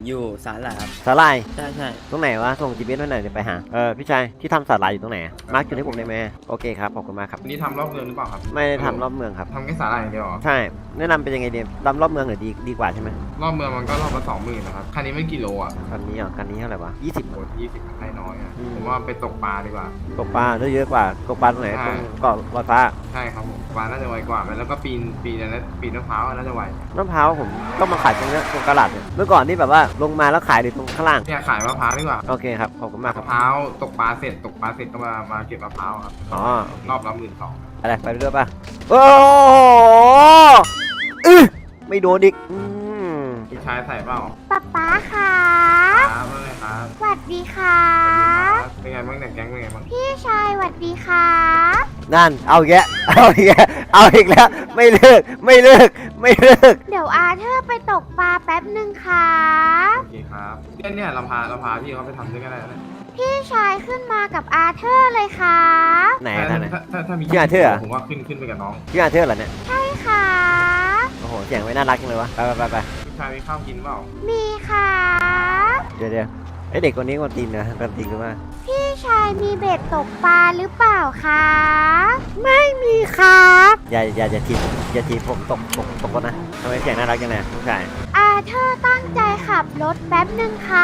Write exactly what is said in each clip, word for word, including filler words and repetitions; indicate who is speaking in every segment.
Speaker 1: อยู่สาหร่ายครับ
Speaker 2: สาหร่าย
Speaker 1: ใช่ใช่
Speaker 2: ตรงไหนวะส่ง จี พี เอส ไว้หน่อยเดี๋ยวไปหาเออพี่ชายที่ทำสาหร่ายอยู่ตรงไหนมาร์กจุดให้ผมได้ไหมโอเคครับขอบคุณมากครับ
Speaker 3: นี่ทำรอบเมืองหรือเปล่าครับ
Speaker 2: ไม่ได้ทำรอบเมืองครับ
Speaker 3: ทำแค่สาหร่ายอย่างเดียวเหรอ
Speaker 2: ใช่แนะนำเป็นยังไงดีทำรอบเมืองหรือดีดีกว่าใช่ไหม
Speaker 3: รอบเมืองมันก็รอบละสองหมื่นนะครับคันนี้ไม่กี่โลอ่ะ
Speaker 2: คันนี้อ่ะคันนี้เท่าไหร่วะยี่สิบ
Speaker 3: โหยี่สิบให้น้อยอ่ะ
Speaker 2: อืม
Speaker 3: ผมว่าไปตกปลาดีกว่า
Speaker 2: ตกปลาได้เยอะกว่าตกปลาตรงไหน
Speaker 3: ใช่
Speaker 2: ตรงเกาะลอยฟ้า
Speaker 3: ใช่ครับผมปลาน่าจะไวกว่าแล้วก็ปีนปีนอะไรนะปีนมะพร้าวน่าจะไว
Speaker 2: มะพร้าวผมก็มาขายตรงเนี้ยตรงตลาดเนี่ยเมื่อก่อนนี่แบบว่าลงมาแล้วขายอยู่ตรงข้างล่าง
Speaker 3: เนี่ยขายมะพร้าวดีกว่า
Speaker 2: โอเคครับขอบคุณมากค
Speaker 3: มะ
Speaker 2: รับ
Speaker 3: พร้าวตกปลาเสร็จตกปลาเสร็จก็มามาเก็บมะพร้าวครับ
Speaker 2: อ๋อ
Speaker 3: รอบละหมื่นสอง
Speaker 2: อะไรไปเรื่อยป่ะโอ้โหอื้อไม่โดนอีกอืม
Speaker 3: พี่ชายใส่เปล่า
Speaker 4: ป๊าป๊าค่ะ
Speaker 3: ครับว่าไงครับ
Speaker 4: สวัสดีค่ะ
Speaker 3: เป็นไงบ้างเนี่ยแก๊งเป็นไงบ้าง
Speaker 4: พี่ชายสวัสดีค่ะ
Speaker 2: นั่นเอาอีกแยะเอาอีกแยะเอาอีกแล้วไม่เลิกไม่เลิกไม่เลิก
Speaker 4: เดี๋ยวอาเธอร์ไปตกปลาแป๊บหนึ่งค่ะ
Speaker 3: โอเคครับเนี่ยเนี่ยเราพาเราพาพี่เขาไปทำด้วยกันได้นะ
Speaker 4: พี่ชายขึ้นมากับอาเธอร์เลยค่ะ
Speaker 2: ไหน
Speaker 3: ถ้า
Speaker 2: ท่านไหน
Speaker 3: ถ้าถ้าถ้ามี
Speaker 2: พี่อาเธอร์เหรอ
Speaker 3: ผมว่าขึ้นขึ้นไปกับน้อง
Speaker 2: พี่อาเธอร์เหรอเนี่ย
Speaker 4: ใช่ค่ะ
Speaker 2: โอ้โหเสียงไม่น่ารักจังเลยวะไปไปไปไป
Speaker 3: พี่ชายมีข้าวกินเปล่า
Speaker 4: มีค่ะ
Speaker 2: เดี๋ยวเดี๋ยวไอเด็กคนนี้คนตีนนะคนตีนหรือว่า
Speaker 4: พี่ชายมีเบ็ดตกปลาหรือเปล่าคะไม่มีครับ
Speaker 2: อย่าอย่าอย่าทีบอย่าทีบผมตกตกตกก่อนนะทำไมเสียงน่ารักจังเลยผู้ชาย
Speaker 4: อาเธอร์ตั้งใจขับรถแป๊บหนึ่งค่ะ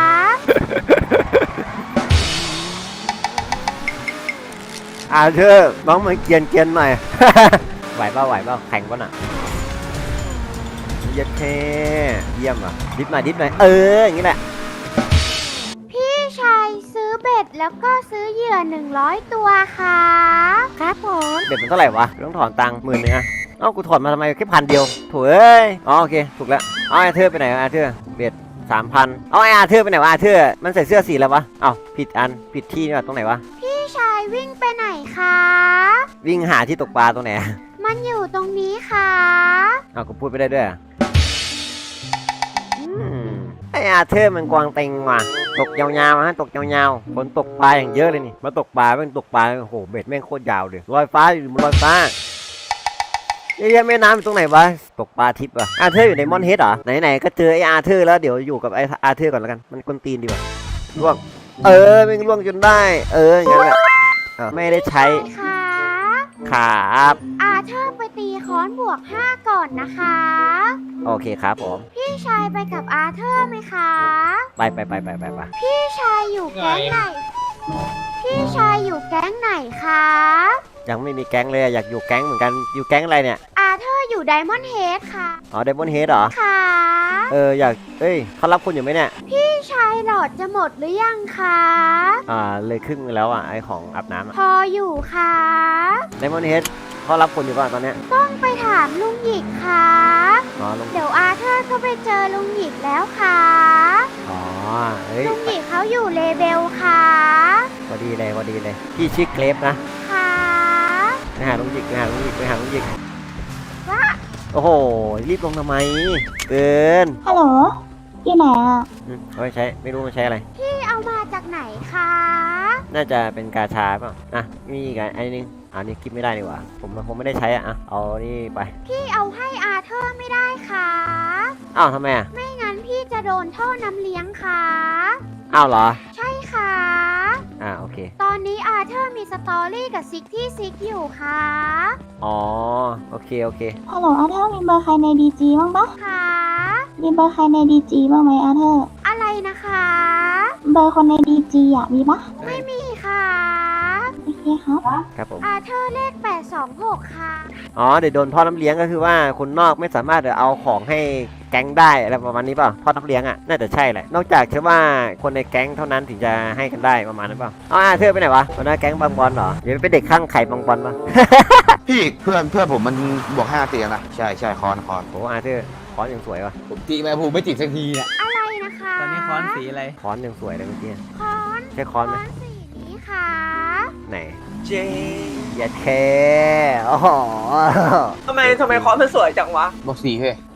Speaker 2: อาเธอร์น้องมันเกรียนเกรียนหน่อย ไหวเปล่าไหวเปล่าแข่งป่ะน่ะเย็ดเท่เยี่ยมอ่ะดิฟหน่อยดิฟหน่อยเอออย่างนี้แหละ
Speaker 4: พี่ชายซื้อเบ็ดแล้วก็ซื้อเหยื่อหนึ่งร้อยตัวค่ะครับผม
Speaker 2: เบ็ดมันเท่าไหร่วะต้องถอนตังค์หมื่นนึงอะเอ้ากูถอนมาทำไมแค่พันเดียวโถ่เอ้ยอ๋อโอเคถูกแล้วเอาอาเธอร์ไปไหนวะอาเธอร์เบ็ดสามพันเอาไออาเธอร์ไปไหนวะอาเธอร์มันใส่เสื้อสีแล้ววะเอ้าผิดอันผิดที่นี่วะตรงไหนวะ
Speaker 4: พี่ชายวิ่งไปไหนคะ
Speaker 2: วิ่งหาที่ตกปลาตรงไหน
Speaker 4: มันอยู่ตรงนี้ค่ะ
Speaker 2: เอากูพูดไปได้ด้วยอะอืมไออาเธอร์มันกวางเต็งว่ะตกยาวๆฮะตกยาวๆฝนตกปลาอย่างเยอะเลยนี่มาตกปลาแม่งตกปลาโอ้โหเบ็ดแม่งโคตรยาวเลยลอยฟ้าอยู่บนลอยฟ้าเยอะแยะแม่น้ำอยู่ตรงไหนวะตกปลาทิพย์อ่ะอาเธอร์อยู่ในมอนเฮดเหรอไหนๆก็เจอไออาเธอร์แล้วเดี๋ยวอยู่กับไออาเธอร์ก่อนแล้วกันมันกวนตีนดีกว่าล่วงเออแม่งล่วงจนได้ เอออย่างนั้นแหละอ้าวไม่ได้ใช้
Speaker 4: ค่ะ
Speaker 2: ครับ
Speaker 4: อาเธอร์ไปตีค้อนบวกห้าก่อนนะคะ
Speaker 2: โอเคครับผม
Speaker 4: พี่ชายไปกับอาเธอร์ไหมคะ
Speaker 2: ไปไปไปไปไปไป
Speaker 4: พี่ชายอยู่แก๊งไหน พี่ชายอยู่แก๊งไหนคะ
Speaker 2: ยังไม่มีแก๊งเลยอะอยากอยู่แก๊งเหมือนกันอยู่แก๊งอะไรเนี่ย
Speaker 4: อาเธอร์อยู่ไดมอนด์เฮดค่ะ
Speaker 2: อ๋อเดมอนเฮดเหรอ
Speaker 4: ค่ะ
Speaker 2: เอออยากเอ้ยเขารับคนอยู่ไหมเนี่ย
Speaker 4: พี่ชายหลอดจะหมดหรือยังคะ
Speaker 2: อ่าเลยครึ่งนึงแล้วอ่ะไอของอาบน้ำอ่ะ
Speaker 4: พออยู่ค่ะ
Speaker 2: เดมอนเฮดเขารับคนอยู่ป่ะตอนเนี้ย
Speaker 4: ต้องไปถามลุงหยิกค่ะ
Speaker 2: อ๋อลง
Speaker 4: เดี๋ยวอาเธอร์ก็ไปเจอลุงหยิกแล้วค่ะ
Speaker 2: อ๋อเฮ้ย
Speaker 4: ลุงหยิกเขาอยู่เลเบลค่ะ
Speaker 2: พอดีเลยพอดีเลยพี่ชื่อเคลฟนะ
Speaker 4: ค่ะ
Speaker 2: ไปหาลุงหยิกไปหาลุงหยิกไปหาลุงหยิก
Speaker 4: ว่า
Speaker 2: โอ้โหรีบลงทำไมเกิน
Speaker 5: ฮัลโหลอยู่ไหนอ่ะ
Speaker 2: อืมเอาไปใช้ไม่รู้มันใช้อะไร
Speaker 4: พี่เอามาจากไหนคะ
Speaker 2: น่าจะเป็นกาชาเปล่าอ่ะมีอีกอันอันนึงอันนี้กินไม่ได้นี่หว่าผมผมไม่ได้ใช้อ่ะอ่ะเอานี่ไป
Speaker 4: พี่เอาให้อาเธอร์ไม่ได้ค่ะ
Speaker 2: อ้าวทำไมอ่ะ
Speaker 4: ไม่งั้นพี่จะโดนท่อน้ำเลี้ยงค่ะ
Speaker 2: อ้าวเหรอ
Speaker 4: ใช่ค่ะ
Speaker 2: อ่าโอเค
Speaker 4: ตอนนี้อาเธอร์มีสตอรี่กับซิกที่ซิกอยู่ค่ะ
Speaker 2: อ๋อโอเคโอเค
Speaker 5: ฮัลโหลอาเธอร์มีเบอร์ใครในดีจีบ้างปะ
Speaker 4: ค่ะ
Speaker 5: มีเบอร์ใครในดีจีบ้างไหมอาเธอร์
Speaker 4: อะไรนะคะ
Speaker 5: เบอร์คนในดีจีอ่ะมีปะ
Speaker 4: ไม่มีค่ะ
Speaker 5: โอเคครับ
Speaker 2: ครับผม
Speaker 4: อาเธอร์เลขแปดสองหกค่ะ
Speaker 2: อ๋อเดี๋ยวโดนท่อน้ำเลี้ยงก็คือว่าคนนอกไม่สามารถเอาของให้แก๊งได้อะไรประมาณนี้เปล่าท่อน้ำเลี้ยงอ่ะน่าจะใช่แหละนอกจากแค่ว่าคนในแก๊งเท่านั้นถึงจะให้กันได้ประมาณนั้นเปล่าอ๋ออาเธอร์ไปไหนวะหัวหน้าแก๊งบางบอลเหรอเดี๋ยวเป็นเด็กข้างไข่บางบอลปะ
Speaker 6: พี่เพื่อนเพื่อนผมมันบวกห้าเตียงนะ ใช่ใช่คอนคอน
Speaker 2: โอ้อาเธอร์ค้อนยังสวยวะ
Speaker 7: ผมตีแม่ภูไม่ติดสักทีเนี่ย
Speaker 4: อะไรนะคะ
Speaker 1: ตอนนี้ค้อนสีอะไร
Speaker 2: ค้อนยังสวยเลยเมื่อกี้
Speaker 4: ค้อน
Speaker 2: ใช่ค้อนไหม
Speaker 4: สีนี้ค่ะ
Speaker 2: ไหน
Speaker 1: เจ
Speaker 2: อย่าแคโอ้โห
Speaker 8: ทำไมทำไมคอนมันสวยจังวะ
Speaker 7: บอกสีเฮ้ย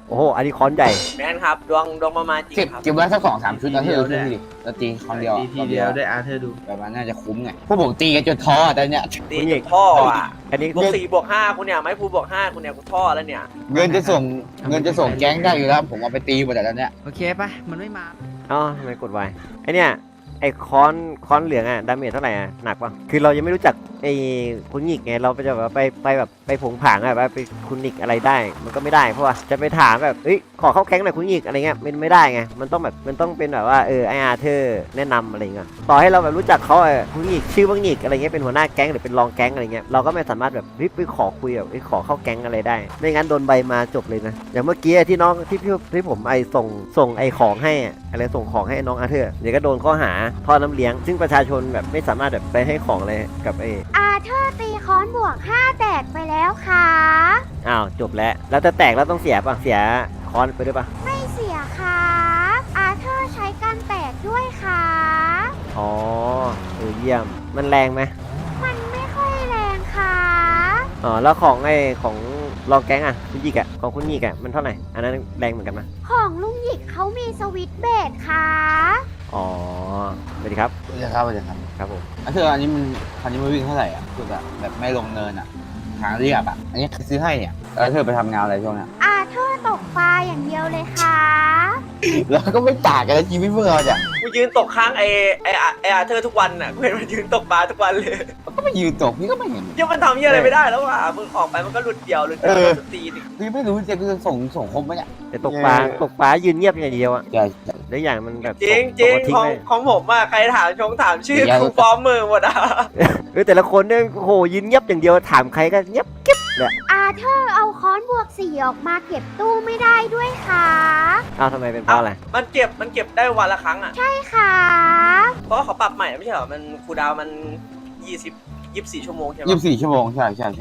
Speaker 2: โอ้โหอันนี้ค้อนใหญ่
Speaker 1: แมนครับดวงดวงประมาณจริง
Speaker 7: เก็บ
Speaker 1: ครับ
Speaker 7: เก็บไว้สักสองสามชุดนะที่เราขึ้นดิเราตีครั้งเดียว
Speaker 3: ทีทีเดียวได้อาร์เธอร์ดู
Speaker 7: แบบมันน่าจะคุ้มไงพวกผมตีกันจนท้ออะตอนเนี้ย
Speaker 1: ตีจนพ่ออ่ะ
Speaker 2: อันนี้
Speaker 1: บวกสี่บวกห้าคุณเนี่ยไม่พูบวกห้าคุณเนี่ยกูท่อแล้วเนี่ย
Speaker 7: เงินจะส่งเงินจะส่งแก๊งได้อยู่แล้วผมเอาไปตีหมดแต่ตอนเนี้ย
Speaker 8: โอเคปะมันไม่มา
Speaker 2: อ๋อทำไมกดไวไอเนี่ยไอค้อนค้อนเหลืองอะดาเมจเท่าไหร่อะหนักปะคือเรายังไม่รู้จักไอคุณหงิกไงเราไปจะแบบไปไปแบบไปผงผางอะแบบไปคุณหงิกอะไรได้ มันก็ไม่ได้เพราะว่าจะไปถามแบบเอ้ยขอเข้าแก๊งหน่อยคุณหงิกอะไรเงี้ยมันไม่ได้ไงมันต้องแบบมันต้องเป็นแบบว่าเออไออาร์เธอร์แนะนำอะไรเงี้ยต่อให้เราแบบรู้จักเขาเออคุณหงิกชื่อว่าหงิกอะไรเงี้ยเป็นหัวหน้าแก๊งหรือเป็นรองแก๊งอะไรเงี้ยเราก็ไม่สามารถแบบเฮ้ยไปขอคุยแบบเฮ้ยขอเข้าแก๊งอะไรได้ไม่งั้นโดนใบมาจบเลยนะอย่างเมื่อกี้ที่น้องที่พี่ที่ผมไอส่งส่งไอของให้อะอะไรส่งของให้น้องอาร์เธอร์เดี๋ยวก็โดนข้อหาท่อน้ำเลี้ยงซึ่งประชาชนแบบไม่สามารถแบบไปให้ของอะไรกับไอ
Speaker 4: อาเธอร์ตีค้อนบวกห้าแตกไปแล้วค่ะ
Speaker 2: อ้าวจบแล้วแล้วจะแตกแล้วต้องเสียป่ะเสียคอนไปด้วยป่ะ
Speaker 4: ไม่เสียค่ะอาเธอร์ใช้การแตกด้วยค่ะ
Speaker 2: อ๋อเออเยี่ยมมันแรงไหม
Speaker 4: มันไม่ค่อยแรงค่ะ
Speaker 2: อ๋อแล้วของไอของรองแก๊งอ่ะคุณยิกอ่ะของคุณยิกอ่ะมันเท่าไหร่อันนั้นแรงเหมือนกันไหม
Speaker 4: ของลุงหยิกเขามีสวิตช์เบสค่ะ
Speaker 2: อ๋อสวัสดีครับ
Speaker 7: เดี๋ยวครับเดี๋ยวครับ
Speaker 2: ครับผม
Speaker 7: อันเธออันนี้มันคันนี้มันวิ่งเท่าไหร่อ่ะคือแบบแบบไม่ลงเนินอ่ะทางเรียบอ่ะอันนี้ใครซื้อให้เนี่ยแล้วเธอไปทำงานอะไรช่วงเนี้ย
Speaker 4: อาเธอร์ตกปลาอย่างเดียวเลยค่ะ
Speaker 7: แล้วก็ไม่ต่างกันแล้วชีวิตพวกเราเนี่ย
Speaker 1: กูยืนตกข้างไอไอไออาร์เธอร์ทุกวันน่ะกูเห็นมันยืนตกปลาทุกวันเลย
Speaker 7: มันก็ไม่ยืนตกพี่ก็ไม่เห็น
Speaker 1: ยังมันทำเหี้ยอะไรไม่ได้แล้วว่ะมึงออกไปมันก็หลุดเดียวหลุดเดียว
Speaker 7: เออ
Speaker 1: หลุดตีนอีก
Speaker 7: พี่ไม่รู้จะกูจะส่งส่งครบไหมเนี่ย
Speaker 2: แต่ตกปลาตกปลายืนเงียบอย่างเดียวอ่ะ
Speaker 7: ใช่
Speaker 2: แล้วอย่างมันแบบ
Speaker 1: จริง
Speaker 2: ต
Speaker 1: จริ
Speaker 2: ก
Speaker 1: ง
Speaker 2: มาทิ้
Speaker 1: ของ
Speaker 2: เลย
Speaker 1: ของผมอ่ะใครถามชงถามชื่อ
Speaker 7: เดี๋ยว
Speaker 1: กูฟ้อมมือหมดอ่ะ
Speaker 2: เออแต่ละคนเนี่ยโอ้โหยืนเงียบอย่างเดียวถามใครก็เงียบกิ๊บเลย
Speaker 4: อาเธอร์เอาค้อนบวกสี่ออกมาเก็บตู้ไม่ได้ด้วยค่ะ
Speaker 2: อ้าวทำไมเป็นเพราะอะไร
Speaker 1: มันเก็บมันเก็บได้วันละครั้งอ่ะ
Speaker 4: ใช่ค่ะ
Speaker 1: เพราะว่าเขาปรับใหม่ไม่ใช่เหรอมันคูลดาวน์มันยี่สิบยี่สิบสี่ชั่วโมงใช่ไหม
Speaker 7: ยี่สิบสี่ชั่วโมงใช่ใช่ใช่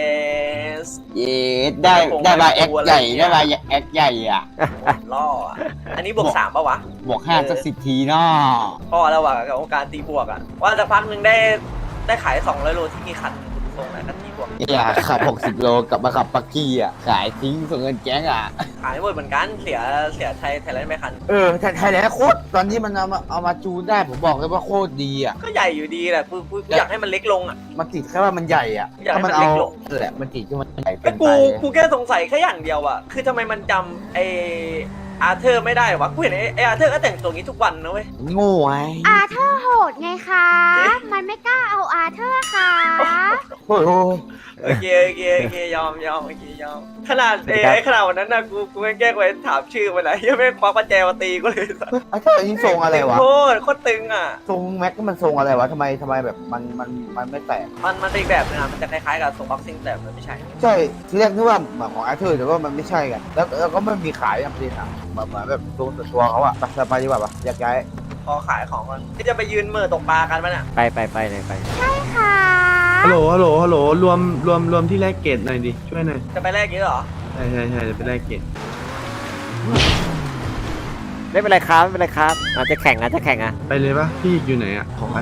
Speaker 1: yes
Speaker 7: เย้ได้ได้มาแอคใหญ่ได้มาแอคใหญ่อ่ะ
Speaker 1: ล่ออ่ะอันนี้บวกสามป่าวะ
Speaker 7: บวกห้าสักสิบทีเนาะ
Speaker 1: พ่อแล้วว่ะกับการตีบวกอ่ะว่าสักพักหนึ่งได้ได้ขายสองร้อยโลที่มีคันตรงไหนก็ตีบวก
Speaker 7: อย่าขับหกสิบโลกลับมาขับปักกี้อ่ะขายทิ้งส่งเงินแก๊งอ่ะ
Speaker 1: ขายหมดเหมือนกันเสียเสียไทยไทยแลนด์ไม่คัน
Speaker 7: เออไทยแลนด์โคตรตอนที่มันเอามาเอามาจูนได้ผมบอกเลยว่าโคตรดีอ่ะ
Speaker 1: ก็ใหญ่อยู่ดีแหละกูกูกูอยากให้มันเล็กลงอ่ะ
Speaker 7: มันติดแค่ว่ามันใหญ่อ่ะ
Speaker 1: อยากให้
Speaker 7: ถ้า
Speaker 1: มั
Speaker 7: มัน น
Speaker 1: เล็
Speaker 7: เอา
Speaker 1: กลง
Speaker 7: แหละมันติดที่มันใหญ่
Speaker 1: ไอ้
Speaker 7: เกิน
Speaker 1: กู
Speaker 7: ไป
Speaker 1: กูแค่สงสัยแค่อย่างเดียวอ่ะคือทำไมมันจำไออาร์เธอร์ไม่ได้วะกูเห็นไอไออาร์เธอร์ก็แต่งตัวงี้ทุกวันนะเว้ย
Speaker 7: โง่ไง
Speaker 4: อาเธอร์โหดไงคะ มันไม่กล้าเอาอาเธอร์ค่ะ
Speaker 7: โอ้ยโอ้ย
Speaker 1: โอเคโอเคโอเคยอมยอมโอเคยอมขนาดเอไอขนาดวันนั้นนะกูกูแกล้งไปถามชื่อมันนะยังไม่ควักกุญแจมาตีกูเลย
Speaker 7: ไอ้เธออันนี้ทรงอะไรวะ
Speaker 1: โคตรโคตรตึงอ่ะ
Speaker 7: ทรงแม็กก็มันทรงอะไรวะทำไมทำไมแบบมันมันมันไม่แตก
Speaker 1: มันมันเป็นอีกแบบนึงอ่ะมันจะคล้ายๆกับส่งบ็อกซิ่งแต่มันไม่ใช่
Speaker 7: ใช่ที่แรกนึกว่าเหมือนของอาร์เธอร์แต่ว่ามันไม่ใช่กันแล้วแล้วก็ไม่มีขายอย่างจริงอ่ะเหมือนเหมือนแบบตัวต่อตัวเขาอ่ะไปสบายดีกว่าปะอยากย้าย
Speaker 1: พอขายของก่อนที่จะไปยืนมือตกปลากันปะเนี่ย
Speaker 2: ไปไปไปเลยไป
Speaker 4: ใช่ค่ะ
Speaker 3: ฮัลโหลฮัลโหลฮัลโหลรวมรวมรวมที่แลกเกตหน่อยดิช่วยหน่อย
Speaker 1: จะไปแลกเยอะเหรอ
Speaker 3: ใช่ใช่ใช่จะไปแลกเกต
Speaker 2: ไม่เป็นไรครับไม่เป็นไรครับอาจจะแข่งอาจจะแข่งอ่ะ
Speaker 3: ไปเลยปะพี่อยู่ไหนอ่ะของไป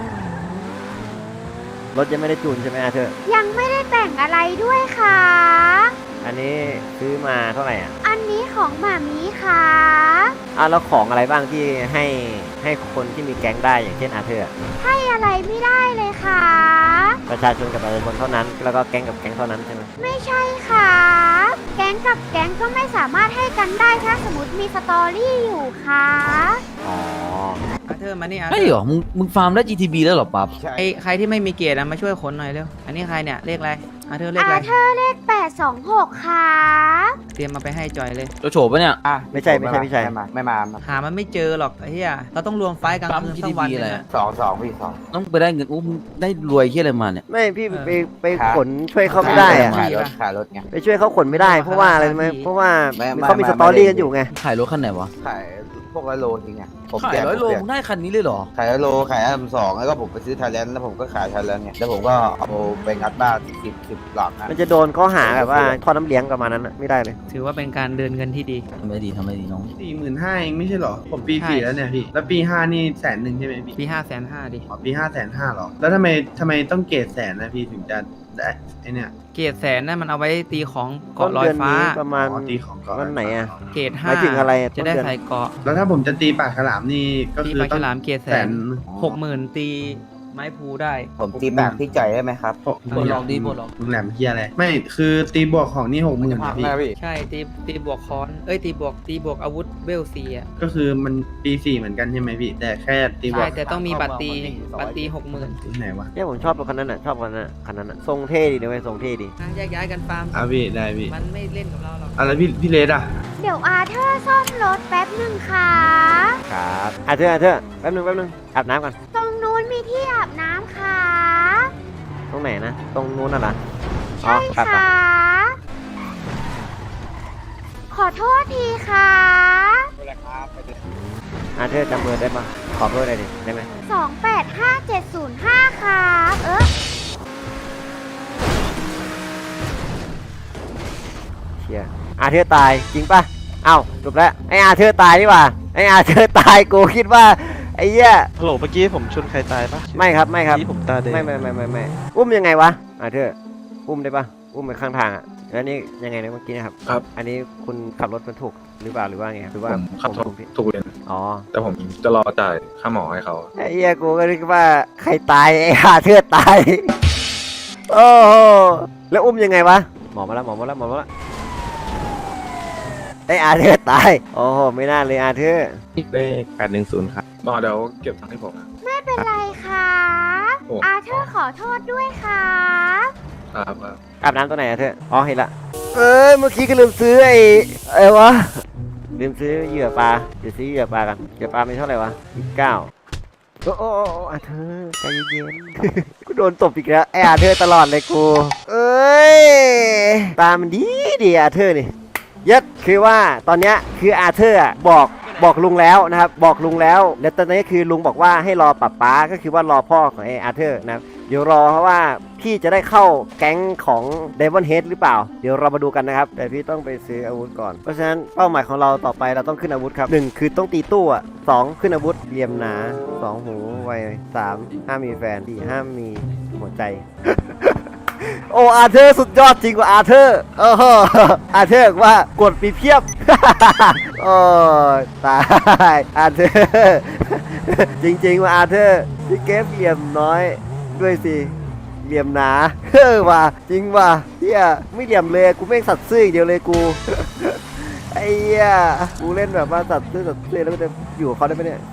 Speaker 2: รถยังไม่ได้จูนใช่ไหมอาเธอร์
Speaker 4: ยังไม่ได้แต่งอะไรด้วยค่ะ
Speaker 2: อันนี้ซื้อมาเท่าไหร่อ่ะ
Speaker 4: อันนี้ของหมามีค่ะ
Speaker 2: อ้าวแล้วของอะไรบ้างที่ให้ให้คนที่มีแก๊งได้อย่างเช่นอาเธอร์อะ
Speaker 4: ให้อะไรไม่ได้เลยค่ะ
Speaker 2: ประชาชนกับประชาชนเท่านั้น แล้วก็แก๊งกับแก๊งเท่านั้นใช่ไหม
Speaker 4: ไม่ใช่ค่ะ แก๊งกับแก๊งก็ไม่สามารถให้กันได้ถ้าสมมติมีสตอรี่อยู่ค่ะ
Speaker 2: อ๋อ
Speaker 8: อาเธอร์มานี่อาเธ
Speaker 9: ไอ้
Speaker 8: อ
Speaker 9: เหรอ
Speaker 8: ร์
Speaker 9: มึงมึงฟาร์มได้ จี ที บี แล้วเหรอปั๊บ
Speaker 7: ใช่
Speaker 8: ไอใครที่ไม่มีเกียรติอะมาช่วยขนหน่อยเร็ว อันนี้ใครเนี่ยเลขอะไรอาเธอร์เลข
Speaker 4: อา
Speaker 8: อะไร
Speaker 4: เธอร์เลขแปดสองหกค่ะ
Speaker 8: เตรียมมาไปให้จอยเลย
Speaker 9: โจโฉปะเนี่ย
Speaker 7: อ่ะ
Speaker 2: ไม่ใช่ไม่ใช่ไม่ใช่
Speaker 7: ไม่มาไม่มาไม่มา
Speaker 8: หามันไม่เจอหรอกไอ้เหี้ยเราต้องรวมไฟล์กลาง
Speaker 9: ปั๊ม
Speaker 8: คืน
Speaker 9: จี
Speaker 8: สั
Speaker 9: ที
Speaker 8: กวัน
Speaker 9: บี
Speaker 8: ห
Speaker 9: อะไร
Speaker 8: นึง
Speaker 9: อะ
Speaker 8: อะ
Speaker 7: สองสองพี่สอง
Speaker 9: ต้องไปได้เงินอู้มึงได้รวยเฮียอะไรมาเนี่ย
Speaker 2: ไม่พี่
Speaker 8: เออ
Speaker 2: ไปไป
Speaker 7: ครับ
Speaker 2: ขนช่วยเขาไม่ได้อะ
Speaker 7: ขายรถขายรถไง
Speaker 2: ไปช่วยเขาขนไม่ได้ เพราะว่าอะไรรู้ไหมเพราะว่า
Speaker 7: ไม่ไม่
Speaker 2: เขามี
Speaker 7: ไม่
Speaker 2: สตอรี่
Speaker 7: ไม่
Speaker 2: กันอยู่ไง
Speaker 9: ขายรถคันไหนวะ
Speaker 7: ขายพวกร้อยโลจริงไงผม
Speaker 9: ขาย
Speaker 7: แจก
Speaker 9: ร้อยโล
Speaker 7: ผมแจก
Speaker 9: มึงได้คันนี้เลยเหรอ
Speaker 7: ขายร้อยโลขายอันดับสองแล้วก็ผมไปซื้อไทยแลนด์แล้วผมก็ขายไทยแลนด์ไงแล้วผมก็เอาไปงัดบ้านสิบสิบหลังนะ
Speaker 2: มันจะโดนข้อหาแบบว่าทอดน้ำเลี้ยงประมาณนั้นอะไม่ได้เลย
Speaker 8: ถือว่าเป็นการเดินเงินที่ดี
Speaker 9: ทำไมดีทำไมดีน้อง
Speaker 3: สี่หมื่นห้าเองไม่ใช่เหรอ ผมปี
Speaker 8: ใช่
Speaker 3: สี่แล้วเนี่ยพี่ แล้วปีห้านี่แสนหนึ่งใช่ไหมพี่
Speaker 8: ปีห้าแสนห้าดิ
Speaker 3: อ๋อปีห้าแสนห้าหรอ แล้วทำไมทำไมต้องเกรดแสนนะพี่ถึงจะไอเนี่ย
Speaker 8: เกรดแสนนั่นมันเอาไว้ตีของ
Speaker 2: ต้
Speaker 8: เกาะ
Speaker 2: น
Speaker 8: ลอย
Speaker 2: เดือน
Speaker 8: ฟ้า
Speaker 2: นี้ประมาณ
Speaker 3: อ๋อตีของก่อน
Speaker 2: วันไหนอะ
Speaker 8: เกรด
Speaker 2: ห
Speaker 8: ห้า
Speaker 2: มายถึงอะไร
Speaker 8: จะได้
Speaker 2: ต้นเดือน
Speaker 8: ใส่เกาะ
Speaker 3: แล้วถ้าผมจะตีปากฉลามนี่ก็
Speaker 8: ตี
Speaker 3: คือ
Speaker 8: ปลา
Speaker 3: ต้
Speaker 8: ฉ
Speaker 3: อง
Speaker 8: ลามเกรดแส
Speaker 3: แส
Speaker 8: น
Speaker 3: น
Speaker 8: หกหมื่นตีไม้พูได้
Speaker 7: ผมตีแบบพี่จ่อยได้ไหมครับ
Speaker 9: ปลดล็อกดิปลดล็อก
Speaker 3: มึงแหลมเฮียอะไรไม่คือตีบวกของนี่หกหมื่น
Speaker 7: พัง
Speaker 3: พี่
Speaker 7: แม่พี่
Speaker 8: ใช่ตีตีบวกค้อนเอ้ยตีบวกตีบวกอาวุธเวลซีอ่ะ
Speaker 3: ก็คือมันปีสี่เหมือนกันใช่ไหมพี่ แต่แค่ตีบว
Speaker 8: ใช่
Speaker 3: ก
Speaker 8: แต่ต้องมีบัตรตีบัตรตีหกหมื่น
Speaker 3: ที่ไหนวะ
Speaker 2: เนี่ยผมชอบรถคันนั้นอ่ะชอบคันนั้นอะคันนั้นอะทรงเท่ดีนะเว้ยทรงเท่ดี
Speaker 8: แยกย้ายกันฟาร์ม
Speaker 3: อ่ะพี่ได้พี่
Speaker 8: มันไม่เล่นกับเราหรอก
Speaker 3: อะไรพี่พี่เลดอ่ะ
Speaker 4: เดี๋ยวอาเธอร์ซ่อมรถแป๊บหนึ่งค่ะ
Speaker 2: ครับอ่ะเธออ่ะเธอแป๊บนึงแป๊บนึงอาบน้ำก่อน
Speaker 4: ตรงนู้นมีที่อาบน้ำค่ะ
Speaker 2: ตรงไหนนะตรงนู้นน่ะเหรออ๋อ
Speaker 4: ใช่
Speaker 2: ครับครับ
Speaker 4: ค่ะ ขอโทษทีค่ะ
Speaker 2: อ่ะเธอจำเบอร์ได้ปะขอเบอร์ได้ดิได้ไหม
Speaker 4: สองแปดห้าเจ็ดศูนย์ห้าค่ะเออ
Speaker 2: เชียอาเธอตายจริงปะเอ้าจบแล้วไออาเธอตายนี่หว่าไออาเธอตายกูคิดว่าไอ้เหี้ย
Speaker 10: ฮัลโหลเมื่อกี้ผมชนใครตายปะ
Speaker 2: ไม่ครับไม่ครับ
Speaker 10: ที่ผมตาแดง
Speaker 2: ไม่ไม่ไม่ไม่ไม่อุ้มยังไงวะอาเธออุ้มได้ปะอุ้มไปข้างทางอ่ะแล้วนี่ยังไงนะเมื่อกี้นะครับ
Speaker 10: ครับ
Speaker 2: อันนี้คุณขับรถมันถูกหรือเปล่าหรือว่าไงครับหรือว่า
Speaker 10: ผมขับ
Speaker 2: ผม
Speaker 10: ถูก
Speaker 2: ผิด
Speaker 10: ถูกเลน
Speaker 2: อ๋อ
Speaker 10: แต่ผมจะรอจ่ายค่าหมอให้เขา
Speaker 2: ไอ้เหี้ยกูก็นึกว่าใครตายไอ้อาเธอตายโอ้โหแล้วอุ้มยังไงวะหมอมาแล้วหมอมาแล้วหมอมาแล้วไอ้อาเธอตายโอ้โหไม่น่าเลยอาเธอ
Speaker 10: เลขแปดหนึ่งศูนย์ครับหมอเดี๋ยวเก็บตังค์ให้ผมนะ
Speaker 4: ไม่เป็นไรค่ะ
Speaker 10: โอ้
Speaker 4: อาเธอร์ขอโทษด้วยค่ะ
Speaker 10: ครับครับ
Speaker 2: อาบน้ำตัวไหนอาเธออ๋อเห็นละเอ้ยเมื่อกี้ก็ลืมซื้อไอ้ไอ้วะลืมซื้อเหยื่อปลาเดี๋ยวซื้อเหยื่อปลากันเหยื่อปลาไม่เท่าไหร่วะยี่สิบเก้าโอ้โอ้โอ้โอ้อาเธอใจเย็นๆ กูโดนตบอีกแล้วไอ้อาเธอตลอดเลยกูเอ้ยตามันดีดีอาเธอนี่ยัดคือว่าตอนเนี้ยคืออาเธอร์อะบอกบอกลุงแล้วนะครับบอกลุงแล้วแล้วตอนนี้คือลุงบอกว่าให้รอป้าป๊าก็คือว่ารอพ่อของไอ้อาเธอร์นะครับเดี๋ยวรอเพราะว่าพี่จะได้เข้าแก๊งของเดวอนเฮดหรือเปล่าเดี๋ยวเรามาดูกันนะครับแต่พี่ต้องไปซื้ออาวุธก่อนเพราะฉะนั้นเป้าหมายของเราต่อไปเราต้องขึ้นอาวุธครับหนึ่งคือต้องตีตู้อ่ะสองขึ้นอาวุธเหลี่ยมหนาสองหูไวสามห้ามมีแฟนสี่ห้ามมีหัวใจ โอ้อาเธอร์สุดยอดจริงกว่าอาเธอร์โอ้โหอาเธอร์บอกว่ากดปีเพียบ โอ้ตายอาเธอร์จริงๆว่าอาเธอร์พี่เก็บเหลี่ยมน้อยด้วยสิเหลี่ยมหนาเฮ้อว่ะจริงว่ะเฮียไม่เหลี่ยมเลยกูไม่งสัตว์ซื่ออย่างเดียวเลยกู ไอ้เหี้ยกูเล่นแบบว่าสัตว์ซื่อสัตว์ซื่อแล้วก็จะอยู่กับเขาได้ไหมเนี่ย